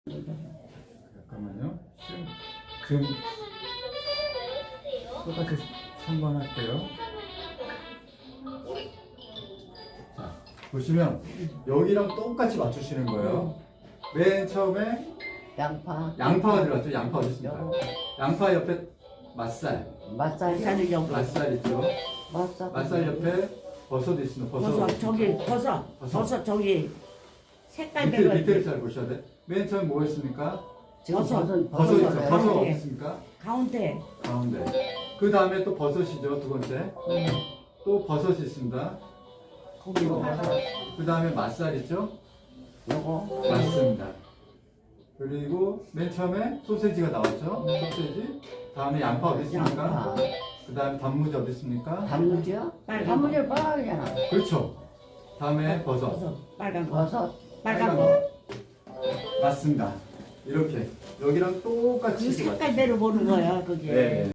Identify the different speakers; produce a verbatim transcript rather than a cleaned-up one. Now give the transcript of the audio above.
Speaker 1: 잠깐만요. 지금, 지금 똑같이 삼 번 할게요. 자, 보시면 여기랑 똑같이 맞추시는 거예요. 맨 처음에
Speaker 2: 양파.
Speaker 1: 양파가 들어갔죠. 양파 어디 있습니까?
Speaker 2: 요거.
Speaker 1: 양파 옆에 맛살.
Speaker 2: 맛살 자르려고.
Speaker 1: 맛살 있죠.
Speaker 2: 맛살.
Speaker 1: 맛살 옆에 버섯 있습니다. 버섯.
Speaker 3: 버섯 저기 버섯
Speaker 1: 버섯.
Speaker 3: 버섯 저기 색깔
Speaker 1: 밑에,
Speaker 3: 별로
Speaker 1: 밑에를 잘 보셔야 돼. 맨 처음 뭐 있습니까?
Speaker 2: 지금
Speaker 3: 버섯.
Speaker 2: 버섯.
Speaker 1: 버섯
Speaker 2: 버섯을
Speaker 1: 있죠.
Speaker 2: 해요.
Speaker 1: 버섯 어디
Speaker 3: 네.
Speaker 1: 있습니까?
Speaker 3: 가운데
Speaker 1: 가운데. 그 다음에 또 버섯이죠. 두 번째.
Speaker 3: 음.
Speaker 1: 또 버섯이 있습니다.
Speaker 2: 고기로.
Speaker 1: 그 다음에 맛살 있죠?
Speaker 2: 요거.
Speaker 1: 맞습니다. 그리고 맨 처음에 소세지가 나왔죠? 소세지. 다음에 양파 어디 있습니까?
Speaker 2: 양파.
Speaker 1: 그 다음에 단무지 어디 있습니까?
Speaker 2: 단무지요?
Speaker 3: 빨간
Speaker 2: 단무지 빨간이잖아.
Speaker 1: 그렇죠. 다음에 버섯.
Speaker 3: 버섯 빨간 거
Speaker 2: 버섯.
Speaker 3: 빨간
Speaker 1: 빨간
Speaker 3: 거
Speaker 1: 맞습니다. 이렇게 여기랑 똑같이
Speaker 3: 그 색깔대로 보는 거야 그게.
Speaker 1: 네.